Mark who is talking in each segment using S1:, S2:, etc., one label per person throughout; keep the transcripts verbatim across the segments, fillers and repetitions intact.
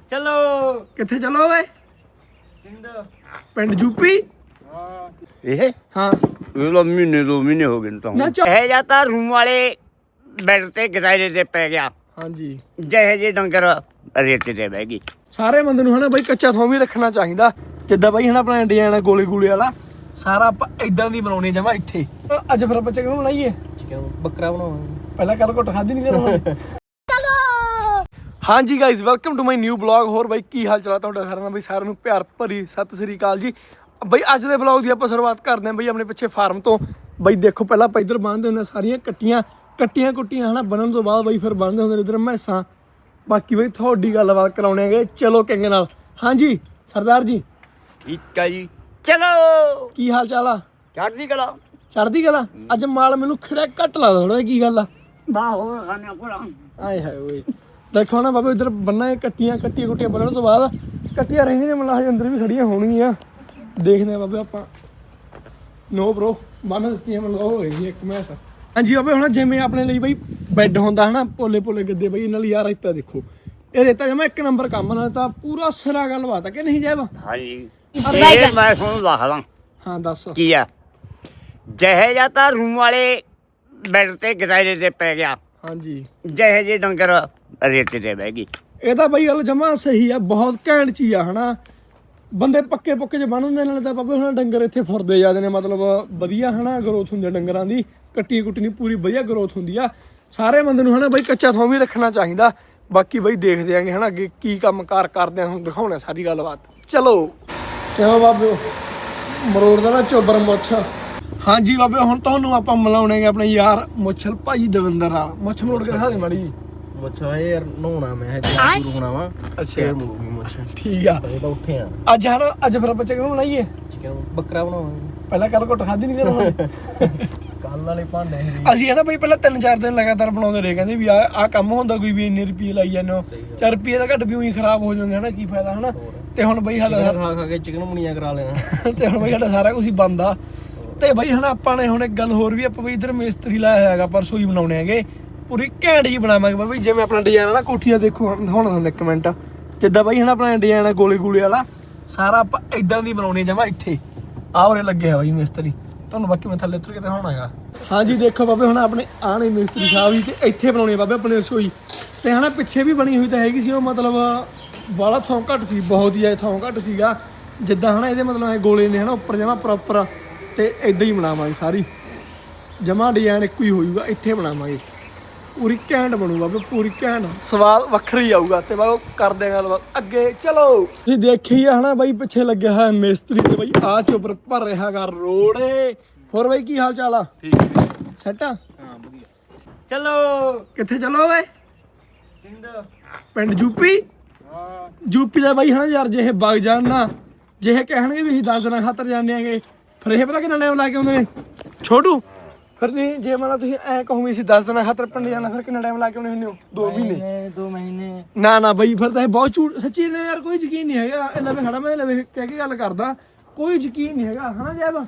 S1: चलो
S2: किथे चलो वे पिंड यूपी
S3: ਇਹ
S2: हाँ
S3: ਇਹ ਲੋ ਮਹੀਨੇ ਦੋ ਮਹੀਨੇ ਹੋ ਗਏ ਤਾਂ
S2: ना चौ-
S3: ਇਹ ਜਾਂਦਾ ਰੂਮ ਵਾਲੇ ਬੈੱਡ ਤੇ ਗਦਾਇਰੇ ਤੇ ਪੈ ਗਿਆ
S2: हाँ जी
S3: ਜਿਹੇ ਜੇ ਡੰਗਰ ਰੇਤੇ ਤੇ ਬਹਿ ਗਈ
S2: ਸਾਰੇ ਬੰਦੇ ਨੂੰ ਹਨਾ ਬਾਈ ਕੱਚਾ ਥੋਂ ਵੀ ਰੱਖਣਾ ਚਾਹੀਦਾ ਜਿੱਦਾਂ ਬਾਈ ਹਨਾ ਆਪਣਾ ਇੰਡੀਆ ਵਾਲਾ ਗੋਲੇ ਗੂਲੇ ਵਾਲਾ ਸਾਰਾ ਆਪਾਂ ਇਦਾਂ ਦੀ ਬਣਾਉਣੀ ਜਮਾ ਇੱਥੇ ਅੱਜ ਫਿਰ ਆਪਾਂ ਚਿਕਨ ਬਣਾਈਏ
S1: चिकन बकरा बनाओ
S2: ਪਹਿਲਾਂ ਕੱਲ ਘੁੱਟ ਖਾਦੀ ਨਹੀਂ ਕਰੋ ਚਲੋ ਹਾਂਜੀ guys welcome to my new blog. ਹੋਰ ਬਾਈ ਕੀ ਹਾਲ ਚਾਲ ਤੁਹਾਡਾ ਸਾਰਿਆਂ ਦਾ? ਬਾਈ ਸਾਰਿਆਂ ਨੂੰ ਪਿਆਰ ਭਰੀ ਸਤਿ ਸ੍ਰੀ ਅਕਾਲ ਜੀ। ਬਾਈ ਅੱਜ ਦੇ ਬਲੌਗ ਦੀ ਆਪਾਂ ਸ਼ੁਰੂਆਤ ਕਰਦੇ ਹਾਂ ਬਾਈ ਆਪਣੇ ਪਿੱਛੇ ਫਾਰਮ ਤੋਂ। ਬਾਈ ਦੇਖੋ ਪਹਿਲਾਂ ਆਪਾਂ ਇੱਧਰ ਬੰਨ੍ਹਦੇ ਹੁੰਦੇ ਸਾਰੀਆਂ ਕੱਟੀਆਂ ਕੱਟੀਆਂ ਕੁੱਟੀਆਂ ਹਨਾ ਬਣਨ ਤੋਂ ਬਾਅਦ ਬਾਈ ਫਿਰ ਬੰਨ੍ਹਦੇ ਹੁੰਦੇ ਇੱਧਰ ਮੈਸਾਂ। ਬਾਕੀ ਬਾਈ ਤੁਹਾਡੀ ਗੱਲਬਾਤ ਕਰਾਉਣੇ ਹੈਗੇ ਚਲੋ ਕਿੰਗ ਨਾਲ। ਹਾਂਜੀ ਸਰਦਾਰ ਜੀ
S3: ਠੀਕ ਹੈ ਜੀ ਚਲੋ
S2: ਕੀ ਹਾਲ ਚਾਲ ਆ?
S3: ਚੜ੍ਹਦੀ ਕਲਾ
S2: ਚੜ੍ਹਦੀ ਕਲਾ। ਅੱਜ ਮਾਲ ਮੈਨੂੰ ਖੜਾ ਘੱਟ ਲੱਗਦਾ ਥੋੜਾ ਕੀ ਗੱਲ ਆ?
S3: ਬਾਹ ਹੋ ਖਾਣੇ ਕੋਲ
S2: ਆਏ ਹਾਏ ਓਏ ਦੇਖੋ ਨਾ ਬਾਬੇ ਇੱਧਰ ਬੰਨਾ ਕੱਟੀਆਂ ਕੱਟੀਆਂ ਕੁੱਟੀਆਂ ਬੰਨਣ ਤੋਂ ਬਾਅਦ ਕੱਟੀਆਂ ਰਹਿੰਦੀਆਂ ਨੇ ਮਤਲਬ ਹਜੇ ਅੰਦਰ ਵੀ ਖੜੀਆਂ ਹੋਣਗੀਆਂ। ਦੇਖਦੇ ਆ ਬਾਬੇ ਆਪਾਂ। ਨੋ ਬ్రో ਬੰਨ ਦਿੱਤੀਆਂ ਮਤਲਬ ਉਹ ਹੋਏਗੀ ਇੱਕ ਮੈਸ। ਹਾਂਜੀ ਬਾਬੇ ਹੁਣ ਜਿਵੇਂ ਆਪਣੇ ਲਈ ਬਈ ਬੈੱਡ ਹੁੰਦਾ ਹਨਾ ਪੋਲੇ ਪੋਲੇ ਗੱਦੇ ਬਈ ਇਹਨਾਂ ਲਈ ਯਾਰ ਰੇਤਾ ਦੇਖੋ ਇਹ ਰੇਤਾ ਜਮਾ ਇੱਕ ਨੰਬਰ ਕੰਮ ਨਾਲ ਤਾਂ ਪੂਰਾ ਸਿਰਾ ਗੱਲਬਾਤ ਆ ਕਿ ਨਹੀਂ ਜੈਬ?
S3: ਹਾਂਜੀ ਇਹ ਮੈਂ ਤੁਹਾਨੂੰ ਦੱਸਦਾ
S2: ਹਾਂ ਦੱਸ
S3: ਕੀ ਆ। ਜਿਹੇ ਜਾਂਦਾ ਰੂਮ ਵਾਲੇ ਬੈੱਡ ਤੇ ਗਦਾਇਰੇ ਤੇ ਪੈ ਗਿਆ
S2: ਹਾਂਜੀ
S3: ਜਿਹੇ ਜੇ ਡੰਗਰ ਰੇਤੇ ਤੇ ਬਹਿ ਗਈ।
S2: ਇਹ ਤਾਂ ਬਈ ਗੱਲ ਜਮਾ ਸਹੀ ਆ ਬਹੁਤ ਘੈਂਟ ਚੀਜ਼ ਆ ਹਨਾ। ਬੰਦੇ ਪੱਕੇ ਪੁੱਕੇ ਚ ਬਣ ਹੁੰਦੇ ਨਾਲੇ ਤਾਂ ਬਾਬੇ ਹੁਣ ਡੰਗਰ ਇੱਥੇ ਫੁਰਦੇ ਜਾਂਦੇ ਨੇ ਮਤਲਬ ਵਧੀਆ ਹਨਾ ਗਰੋਥ ਹੁੰਦੀ ਆ ਡੰਗਰਾਂ ਦੀ। ਕੱਟੀ ਕੁੱਟਣੀ ਪੂਰੀ ਵਧੀਆ ਗਰੋਥ ਹੁੰਦੀ ਆ। ਸਾਰੇ ਬੰਦੇ ਨੂੰ ਹਨਾ ਬਈ ਕੱਚਾ ਥੋਂ ਵੀ ਰੱਖਣਾ ਚਾਹੀਦਾ। ਬਾਕੀ ਬਈ ਦੇਖਦੇ ਆਂਗੇ ਹਨਾ ਅੱਗੇ ਕੀ ਕੰਮ ਕਾਰ ਕਰਦੇ ਆ ਹੁਣ ਦਿਖਾਉਣਾ ਸਾਰੀ ਗੱਲਬਾਤ। ਚਲੋ ਕਿਉਂ ਬਾਬੇ ਮਰੋੜ ਦਾ ਨਾ ਚੋਬਰ ਮੁੱਛ। ਹਾਂਜੀ ਬਾਬੇ ਹੁਣ ਤੁਹਾਨੂੰ ਆਪਾਂ ਮਿਲਾਉਣੇਗੇ ਆਪਣੇ ਯਾਰ ਮੁੱਛਲ ਭਾਈ ਦਵਿੰਦਰ ਨਾਲ। ਮੁੱਛ ਮਰੋੜ ਕੇ ਦਿਖਾ ਦੇ ਮਾੜੀ।
S1: मुझे यार नहाना मैं शुरू होना वा
S2: ਅੱਛਾ
S1: फिर मुड़ूंगी मुझे
S2: ਠੀਕ ਆ
S1: ये तो उठे हैं
S2: ਅੱਜ ਹਨਾ ਅੱਜ ਫਿਰ ਆਪਾਂ ਚਿਕਨ ਬਣਾਈਏ।
S1: चिकन बकरा बनाओ
S2: ਪਹਿਲਾਂ ਕੱਲ ਘੁੱਟ ਖਾਦੀ ਨਹੀਂ ਕਰੋ
S1: कल वाले भांडे
S2: ਅਸੀਂ ਹਨਾ ਬਈ ਪਹਿਲਾਂ ਤਿੰਨ ਚਾਰ ਦਿਨ ਲਗਾਤਾਰ ਬਣਾਉਂਦੇ ਰਹੇ ਕਹਿੰਦੇ ਵੀ ਆ ਆ ਕੰਮ ਹੁੰਦਾ ਕੋਈ ਵੀ ਇੰਨੇ ਰੁਪਏ ਲਾਈ ਜਾਂਦੇ ਹੋ ਚਾਰ ਰੁਪਏ ਦਾ ਘੱਟ ਵੀ ਉਹੀ ਖਰਾਬ ਹੋ ਜਾਣਗੇ ਹਨਾ ਕੀ ਫਾਇਦਾ ਹਨਾ। ਤੇ ਹੁਣ ਬਈ ਸਾਡਾ
S1: खा खा के चिकन मुनिया करा लेना
S2: ਤੇ ਹੁਣ ਬਈ ਸਾਡਾ ਸਾਰਾ ਕੁਝ ਹੀ ਬੰਦ ਆ। ਤੇ ਬਈ ਹਨਾ ਆਪਾਂ ਨੇ ਹੁਣ ਇੱਕ ਗੱਲ ਹੋਰ ਵੀ ਆਪਾਂ ਬਈ ਇੱਧਰ ਮਿਸਤਰੀ ਲਾਇਆ ਹੈਗਾ ਪਰਸੋਂ ਹੀ ਬਣਾਉਣੇ ਹੈਗੇ ਪੂਰੀ ਘੈਂਟ ਜੀ ਬਣਾਵਾਂਗੇ ਬਈ ਜਿਵੇਂ ਆਪਣਾ ਡਿਜ਼ਾਈਨ ਆ ਨਾ ਕੋਠੀਆ ਦੇਖੋ ਹੁਣ ਤੁਹਾਨੂੰ ਇੱਕ ਮਿੰਟ ਜਿੱਦਾਂ ਬਈ ਹਨਾ ਆਪਣਾ ਡਿਜ਼ਾਈਨ ਆ ਗੋਲੇ ਗੂਲੇ ਵਾਲਾ ਸਾਰਾ ਆਪਾਂ ਇਦਾਂ ਦੀ ਬਣਾਉਣੀ ਜਮਾ ਇੱਥੇ ਆਹ ਉਰੇ ਲੱਗਿਆ ਬਈ ਮਿਸਤਰੀ। ਤੁਹਾਨੂੰ ਬਾਕੀ ਮੈਂ ਥੱਲੇ ਉਤਰ ਕੇ ਦਿਖਾਉਣਾ ਹੈਗਾ। ਹਾਂਜੀ ਦੇਖੋ ਬਾਬੇ ਹੁਣ ਆਪਣੇ ਆਹ ਨੇ ਮਿਸਤਰੀ ਸਾਹਿਬ ਜੀ ਤੇ ਇੱਥੇ ਬਣਾਉਣੀ ਬਾਬੇ ਆਪਣੇ ਰਸੋਈ ਤੇ ਹਨਾ ਪਿੱਛੇ ਵੀ ਬਣੀ ਹੋਈ ਤਾਂ ਹੈਗੀ ਸੀ ਉਹ ਮਤਲਬ ਬਾਲਾ ਥਾਂ ਘੱਟ ਸੀ ਬਹੁਤ ਹੀ ਥਾਂ ਘੱਟ ਸੀਗਾ ਜਿੱਦਾਂ ਹਨਾ ਇਹਦੇ ਮਤਲਬ ਇਹ ਗੋਲੇ ਨੇ ਹਨਾ ਉੱਪਰ ਜਮਾ ਪ੍ਰੋਪਰ ਤੇ ਇਦਾਂ ਹੀ ਬਣਾਵਾਂਗੇ ਸਾਰੀ ਜਮਾ ਡਿਜ਼ਾਈਨ ਇੱਕੋ ਹੀ ਹੋਊਗਾ ਇੱਥੇ ਬਣਾਵਾਂਗੇ ਪੂਰੀ ਘੈਂਟ ਬਣੂਗਾ ਬਾਬੇ ਪੂਰੀ ਘੈਂਟ ਸਵਾਦ ਵੱਖਰਾ ਹੀ ਆਊਗਾ। ਤੇ ਬਾਬਾ ਕਰਦੇ ਆਂ ਗੱਲਬਾਤ ਅੱਗੇ ਚਲੋ। ਤੁਸੀਂ ਦੇਖੀ ਆ ਹਨਾ ਬਾਈ ਪਿੱਛੇ ਲੱਗਿਆ ਹੋਇਆ ਮਿਸਤਰੀ ਤੇ ਬਾਈ ਆਹ ਚੋਪਰ ਭਰ ਰਿਹਾ ਹੈਗਾ ਰੋੜੇ। ਹੋਰ ਬਾਈ ਕੀ ਹਾਲ ਚਾਲ ਆ? ਠੀਕ ਸੈਟ ਆ
S1: हां बढ़िया
S3: ਚਲੋ
S2: ਕਿੱਥੇ ਚਲੋ ਓਏ?
S1: पिंड
S2: ਪਿੰਡ ਯੂਪੀ।
S1: हां
S2: ਯੂਪੀ ਦਾ ਬਾਈ ਹਨਾ ਯਾਰ ਜੇ ਇਹ ਵਗ ਜਾਣ ਨਾ ਜੇ ਇਹ ਕਹਿਣਗੇ ਵੀ ਅਸੀਂ ਦਸ ਦਿਨਾਂ ਖਾਤਰ ਜਾਂਦੇ ਆਂਗੇ ਫਿਰ ਇਹ ਪਤਾ ਕਿੰਨਾ ਟਾਈਮ ਲਾ ਕੇ ਆਉਂਦੇ ਨੇ ਛੋਟੂ। ਫਿਰ ਨਹੀਂ ਜੇ ਮਤਲਬ ਤੁਸੀਂ ਐ ਕਹੋ ਵੀ ਅਸੀਂ ਦਸ ਦਿਨਾਂ ਖਾਤਰ ਪਿੰਡ ਜਾਣਾ ਫਿਰ ਕਿੰਨਾ ਟਾਈਮ ਲਾ ਕੇ ਆਉਂਦੇ ਹੁੰਦੇ ਹੋ? ਦੋ ਮਹੀਨੇ
S1: दो महीने
S2: ਨਾ ਨਾ ਬਈ ਫਿਰ ਤਾਂ ਇਹ ਬਹੁਤ ਝੂਠ ਸੱਚੀ ਨੇ ਯਾਰ ਕੋਈ ਯਕੀਨ ਨਹੀਂ ਹੈਗਾ। ਇਹ ਲਵੇ ਖੜਾ ਮੈਂ ਲਵੇ ਕਹਿ ਕੇ ਗੱਲ ਕਰਦਾ ਕੋਈ ਯਕੀਨ ਨਹੀਂ ਹੈਗਾ ਹਨਾ ਜੈਬ।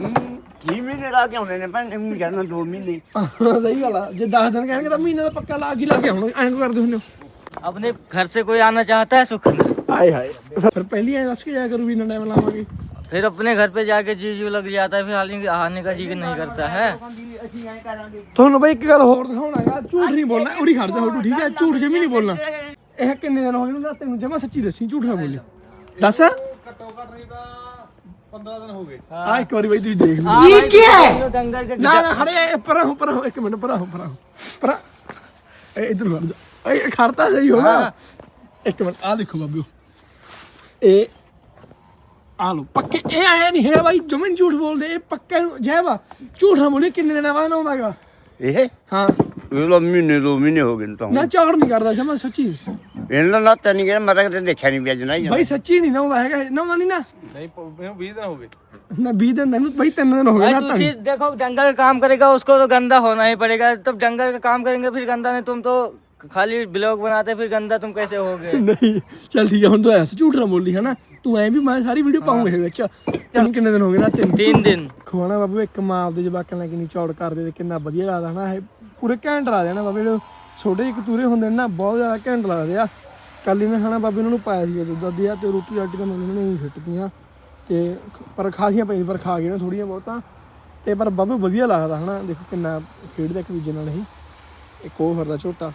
S3: ਕੀ ਮਹੀਨੇ ਲਾ ਕੇ ਆਉਂਦੇ ਨੇ ਭੈਣ ਨੂੰ ਜਾਣਾ ਦੋ ਮਹੀਨੇ
S2: ਸਹੀ ਗੱਲ ਆ ਜੇ ਦਸ ਦਿਨ ਕਹਿਣਗੇ ਤਾਂ ਮਹੀਨੇ ਦਾ ਪੱਕਾ ਲਾ ਕੇ ਲਾ ਕੇ ਆਉਣਾ ਐਂ ਕਿਉਂ ਕਰਦੇ ਹੁੰਦੇ ਹੋ?
S1: अपने घर से कोई आना चाहता है सुख में
S2: ਆਏ ਹਾਏ ਫਿਰ ਪਹਿਲੀ ਐ ਦੱਸ ਕੇ ਜਾਇਆ ਕਰੂ ਵੀ ਇੰਨਾ ਟਾਈਮ ਲਾਵਾਂਗੇ।
S1: फिर अपने घर पे जाके जी जू लग जाता है फिर आने आने का जी नहीं करता है।
S2: ਤੁਹਾਨੂੰ ਬਈ ਇੱਕ ਗੱਲ ਹੋਰ ਦਿਖਾਉਣਾ ਹੈਗਾ ਝੂਠ ਨਹੀਂ ਬੋਲਣਾ ਉਰੀ ਖੜ ਜਾ ਹੋਟੂ ਠੀਕ ਹੈ ਝੂਠ ਜਮੀ ਨਹੀਂ ਬੋਲਣਾ। ਇਹ ਕਿੰਨੇ ਦਿਨ ਹੋ ਗਏ ਨੂੰ ਤੈਨੂੰ ਜਮਾ ਸੱਚੀ ਦੱਸੀ ਝੂਠ ਨਾ ਬੋਲੀ ਦੱਸ।
S1: घट्टो घट नहीं था पंद्रह दिन हो गए
S2: ਆ ਇੱਕ ਵਾਰੀ ਬਈ ਤੁਸੀਂ ਦੇਖ ਲਓ
S1: ये क्या है डंगर के
S2: ਨਾ ਨਾ ਖੜੇ ਪਰਾਂ ਹੋ ਪਰਾਂ ਹੋ ਇੱਕ ਮਿੰਟ ਪਰਾਂ ਹੋ ਪਰਾਂ ਹੋ ਪਰਾਂ ਇਹ ਇਧਰ ਖੜ ਜਾ ਇਹ ਖੜਤਾ ਸਹੀ ਹੋ ਨਾ ਇੱਕ ਮਿੰਟ ਆ ਦੇਖੋ ਬਾਬਿਓ ਇਹ ਆ ਲੋ ਪੱਕੇ ਇਹ ਆਇਆ ਨਹੀਂ ਹੈਗਾ ਬਾਈ ਜਮਨ ਝੂਠ ਬੋਲਦੇ ਇਹ ਪੱਕਾ ਜੈਵਾ ਝੂਠ ਨਾ ਬੋਲੀ ਕਿੰਨੇ ਦਿਨਾਂ ਬਾਅਦ ਆਉਂਦਾਗਾ
S3: ਇਹ
S2: ਹਾਂ
S3: ਇਹ ਲੋ ਮਹੀਨੇ ਦੋ ਮਹੀਨੇ ਹੋ ਗਏ ਤਾਂ
S2: ਨਾ ਝਾੜ ਨਹੀਂ ਕਰਦਾ ਜਮਾ ਸੱਚੀ
S3: ਇਹਨਾਂ ਨਾਲ ਤਾਂ ਨਹੀਂ ਗਿਆ ਮੈਂ ਤਾਂ ਦੇਖਿਆ ਨਹੀਂ ਪਿਆ ਜਨਾ
S2: ਬਾਈ ਸੱਚੀ ਨਹੀਂ ਨਾ ਆਉਂਦਾ ਹੈਗਾ ਨਾ ਨਹੀਂ ਨਾ
S1: नहीं बीस दिन हो गए
S2: ਨਾ ਵੀਹ ਦਿਨ ਤੈਨੂੰ ਬਾਈ ਤਿੰਨ ਦਿਨ ਹੋ ਗਏ ਨਾ
S1: तुसी देखो डंगर का काम करेगा उसको तो गंदा होना ही पड़ेगा। तब डंगर का काम करेंगे फिर गंदा नहीं। तुम तो खाली ब्लॉग बनाते फिर गंदा तुम कैसे होगे?
S2: ਨਹੀਂ ਚੱਲ ਠੀਕ ਹੈ ਹੁਣ ਤੂੰ ਐਸ ਝੂਠ ਨਾ ਬੋਲੀ ਹਨਾ ਤੂੰ ਐ ਵੀ ਮੈਂ ਸਾਰੀ ਵੀਡੀਓ ਪਾਉਂਗਾ ਇਹਦੇ ਵਿੱਚ ਤੈਨੂੰ ਕਿੰਨੇ ਦਿਨ ਹੋ ਗਏ ਨਾ ਤਿੰਨ
S1: तीन दिन
S2: ਖਵਾਣਾ ਬਾਬੂ ਇੱਕ ਮਾਂ ਆਪਦੇ ਜਵਾਕਾਂ ਨਾਲ ਕਿੰਨੀ ਚੌੜ ਕਰਦੇ ਤੇ ਕਿੰਨਾ ਵਧੀਆ ਲੱਗਦਾ ਹਨਾ ਇਹ ਪੂਰੇ ਘੈਂਟ ਲਾ ਦੇਣਾ ਬਾਬੇ ਜਿਹੜੇ ਛੋਟੇ ਜਿਹੇ ਕਤੂਰੇ ਹੁੰਦੇ ਨੇ ਨਾ ਬਹੁਤ ਜ਼ਿਆਦਾ ਘੈਂਟ ਲੱਗਦੇ ਆ। ਕੱਲ ਹੀ ਮੈਂ ਖਾਣਾ ਬਾਬੇ ਉਹਨਾਂ ਨੂੰ ਪਾਇਆ ਸੀ ਦੁੱਧ ਅੱਧੀ ਆ ਤੇ ਰੋਟੀ ਰਾਟੀ ਤਾਂ ਮੈਨੂੰ ਉਹਨਾਂ ਨੇ ਹੀ ਸਿੱਟਦੀਆਂ ਤੇ ਪਰ ਖਾਸੀਆਂ ਪਈਆਂ ਪਰ ਖਾ ਗਏ ਨਾ ਥੋੜੀਆਂ ਬਹੁਤਾਂ ਤੇ ਪਰ ਬਾਬੇ ਵਧੀਆ ਲੱਗਦਾ ਹਨਾ ਦੇਖੋ ਕਿੰਨਾ ਖੇਡਦਾ ਇੱਕ ਦੂਜੇ ਨਾਲ ਹੀ ਇੱਕ ਉਹ ਫਿਰਦਾ ਝੋਟਾ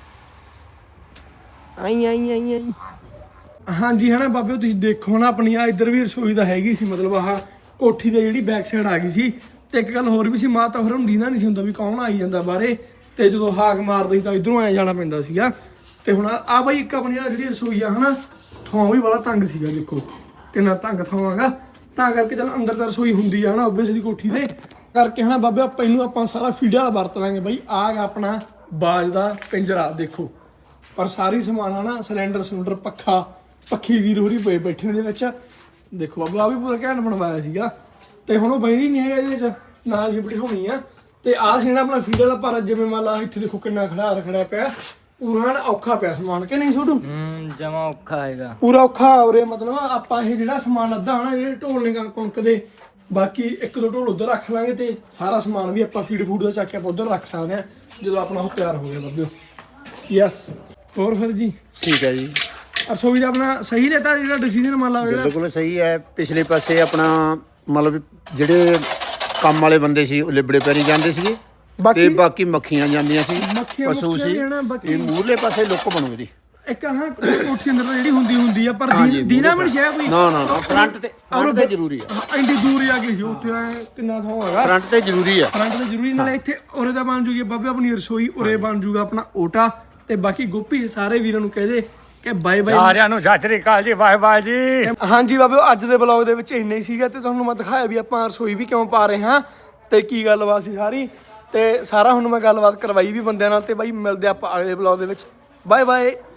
S2: ਆਈ ਆਈ ਆਈ ਆਈ ਹਾਂਜੀ ਹਨਾ ਬਾਬੇ ਤੁਸੀਂ ਦੇਖੋ ਨਾ ਆਪਣੀ ਆ ਇੱਧਰ ਵੀ ਰਸੋਈ ਤਾਂ ਹੈਗੀ ਸੀ ਮਤਲਬ ਆਹ ਕੋਠੀ ਦੇ ਜਿਹੜੀ ਬੈਕ ਸਾਈਡ ਆ ਗਈ ਸੀ ਤੇ ਇੱਕ ਗੱਲ ਹੋਰ ਵੀ ਸੀ ਮਾਤਾ ਫਿਰ ਹੁੰਦੀ ਨਾ ਨਹੀਂ ਸੀ ਹੁੰਦਾ ਵੀ ਕੌਣ ਆਈ ਜਾਂਦਾ ਬਾਹਰੇ ਤੇ ਜਦੋਂ ਹਾਕ ਮਾਰਦੇ ਸੀ ਤਾਂ ਇਧਰੋਂ ਆਇਆ ਜਾਣਾ ਪੈਂਦਾ ਸੀਗਾ ਤੇ ਹੁਣ ਆ ਬਾਈ ਇੱਕ ਆਪਣੀ ਆ ਜਿਹੜੀ ਰਸੋਈ ਆ ਹਨਾ ਥਾਂ ਵੀ ਬੜਾ ਤੰਗ ਸੀਗਾ ਦੇਖੋ ਕਿੰਨਾ ਤੰਗ ਥਾਂ ਹੈਗਾ ਤਾਂ ਕਰਕੇ ਚੱਲ ਅੰਦਰ ਤਾਂ ਰਸੋਈ ਹੁੰਦੀ ਆ ਹਨਾ ਓਬਵੀਅਸਲੀ ਕੋਠੀ ਤੇ ਕਰਕੇ ਹਨਾ ਬਾਬੇ ਆਪਾਂ ਇਹਨੂੰ ਆਪਾਂ ਸਾਰਾ ਫੀਡ ਵਾਲਾ ਵਰਤ ਲਾਂਗੇ ਬਾਈ ਆਹ ਗਾ ਆਪਣਾ ਬਾਜ ਦਾ ਪਿੰਜਰਾ ਦੇਖੋ ਪਰ ਸਾਰੀ ਸਮਾਨ ਹਨਾ ਸਿਲੰਡਰ ਸਿਲੰਡਰ ਪੱਖਾ ਪੱਖੀ ਵੀਰ ਹੋਰੀ ਪਏ ਬੈਠੇ ਨੇ ਦੇ ਵਿੱਚ ਦੇਖੋ ਬਾਬਾ ਆ ਵੀ ਪੂਰਾ ਘੈਂਟ ਬਣਵਾਇਆ ਸੀਗਾ ਤੇ ਹੁਣ ਉਹ ਬੈਠੀ ਨਹੀਂ ਹੈਗਾ ਇਹਦੇ ਚ ਨਾਲ ਜੀ ਬਿਠਾਉਣੀ ਆ ਤੇ ਆਹ ਸੀ ਨਾ ਆਪਣਾ ਫੀਡ ਵਾਲਾ ਪਰ ਜਿਵੇਂ ਮੰਨ ਲਾ ਇੱਥੇ ਦੇਖੋ ਕਿੰਨਾ ਖੜਾ ਰਖੜਿਆ ਪਿਆ ਪੂਰਾ ਔਖਾ ਪਿਆ ਸਮਾਨ ਕਿ ਨਹੀਂ ਛੋਟੂ
S1: ਹम्म जमा औखा हैगा
S2: ਪੂਰਾ ਔਖਾ ਹੋ ਰਿਹਾ ਮਤਲਬ ਆਪਾਂ ਇਹ ਜਿਹੜਾ ਸਮਾਨ ਅੱਧਾ ਹਨਾ ਜਿਹੜੇ ਢੋਲ ਨੇ ਕਣਕ ਦੇ ਬਾਕੀ ਇੱਕ ਦੋ ਢੋਲ ਉਧਰ ਰੱਖ ਲਾਂਗੇ ਤੇ ਸਾਰਾ ਸਮਾਨ ਵੀ ਆਪਾਂ ਫੀਡ ਫੂਡ ਦਾ ਚੱਕ ਕੇ ਆਪਾਂ ਉਧਰ ਰੱਖ ਸਕਦੇ ਆ ਜਦੋਂ ਆਪਣਾ ਉਹ ਤਿਆਰ ਹੋ ਗਿਆ ਬੱਬਿਓ ਯੈਸ ਹੋਰ ਫਿਰ ਜੀ
S4: ਠੀਕ ਹੈ ਜੀ
S2: ਰਸੋਈ ਦਾ ਆਪਣਾ ਸਹੀ ਰਹਿਤਾ ਜਿਹੜਾ ਡਿਸੀਜਨ ਮੰਨ ਲਾ ਜਿਹੜਾ
S4: ਬਿਲਕੁਲ ਸਹੀ ਹੈ ਪਿਛਲੇ ਪਾਸੇ ਆਪਣਾ ਮਤਲਬ ਜਿਹੜੇ ਕੰਮ ਵਾਲੇ ਬੰਦੇ ਸੀ ਉਹ ਲਿਬੜੇ ਪੈਰੀ ਜਾਂਦੇ ਸੀਗੇ ਤੇ
S2: ਬਾਕੀ
S4: ਬਾਕੀ ਮੱਖੀਆਂ ਜਾਂਦੀਆਂ ਸੀ
S2: ਮੱਖੀਆਂ
S4: ਪਸ਼ੂ
S2: ਮੁੱਖੀਆਂ
S4: ਸੀ
S2: ਵੀ ਹਨਾ, ਬਾਕੀ-
S4: ਇਹ ਮੂਹਰਲੇ ਪਾਸੇ ਲੁੱਕ ਬਣੂ ਇਹਦੀ
S2: ਇੱਕ ਹਾਂ ਕੋਠੀ ਅੰਦਰ ਤਾਂ ਜਿਹੜੀ ਹੁੰਦੀ ਹੁੰਦੀ ਆ ਪਰ
S4: ਹਾਂਜੀ,
S2: ਦੀ- ਦੀਨਾ ਵੀ ਸ਼ਾਇਦ ਕੋਈ
S4: ਨਾ ਨਾ ਨਾ ਫਰੰਟ ਤੇ ਫਰੰਟ ਤੇ ਜ਼ਰੂਰੀ ਆ
S2: ਹਾਂ, ਇੰਨੀ ਦੂਰ ਆ ਗਈ ਸੀ ਉੱਥੇ ਐਂ ਕਿੰਨਾ ਥਾਂ ਹੈਗਾ
S4: ਫਰੰਟ ਤੇ ਜ਼ਰੂਰੀ ਆ
S2: ਫਰੰਟ ਤੇ ਜ਼ਰੂਰੀ ਨਾਲੇ ਇੱਥੇ ਉਰੇ ਦਾ ਬਣ ਜੂਗੀ ਬਾਬੇ ਆਪਣੀ ਰਸੋਈ ਉਰੇ ਬਣ ਜੂਗਾ ਆਪਣਾ ਓਟਾ ਤੇ ਬਾਕੀ ਗੋਪੀ ਸਾਰੇ ਵੀਰਾਂ ਨੂੰ ਕਹਿ ਦੇ ਕਿ ਬਾਏ ਬਾਏ
S3: ਸਾਰਿਆਂ ਨੂੰ ਸਤਿ ਸ੍ਰੀ ਅਕਾਲ ਜੀ ਬਾਏ ਬਾਏ ਜੀ
S2: ਹਾਂਜੀ ਬਾਬਿਓ ਅੱਜ ਦੇ ਬਲੌਗ ਦੇ ਵਿੱਚ ਇੰਨਾ ਹੀ ਸੀਗਾ ਤੇ ਤੁਹਾਨੂੰ ਮੈਂ ਦਿਖਾਇਆ ਵੀ ਆਪਾਂ ਰਸੋਈ ਵੀ ਕਿਉਂ ਪਾ ਰਹੇ ਹਾਂ ਤੇ ਕੀ ਗੱਲਬਾਤ ਸੀ ਸਾਰੀ ਤੇ ਸਾਰਾ ਹੁਣ ਮੈਂ ਗੱਲਬਾਤ ਕਰਵਾਈ ਵੀ ਬੰਦਿਆਂ ਨਾਲ ਤੇ ਬਾਈ ਮਿਲਦੇ ਆਪਾਂ ਅਗਲੇ ਬਲੌਗ ਦੇ ਵਿੱਚ ਬਾਏ ਬਾਏ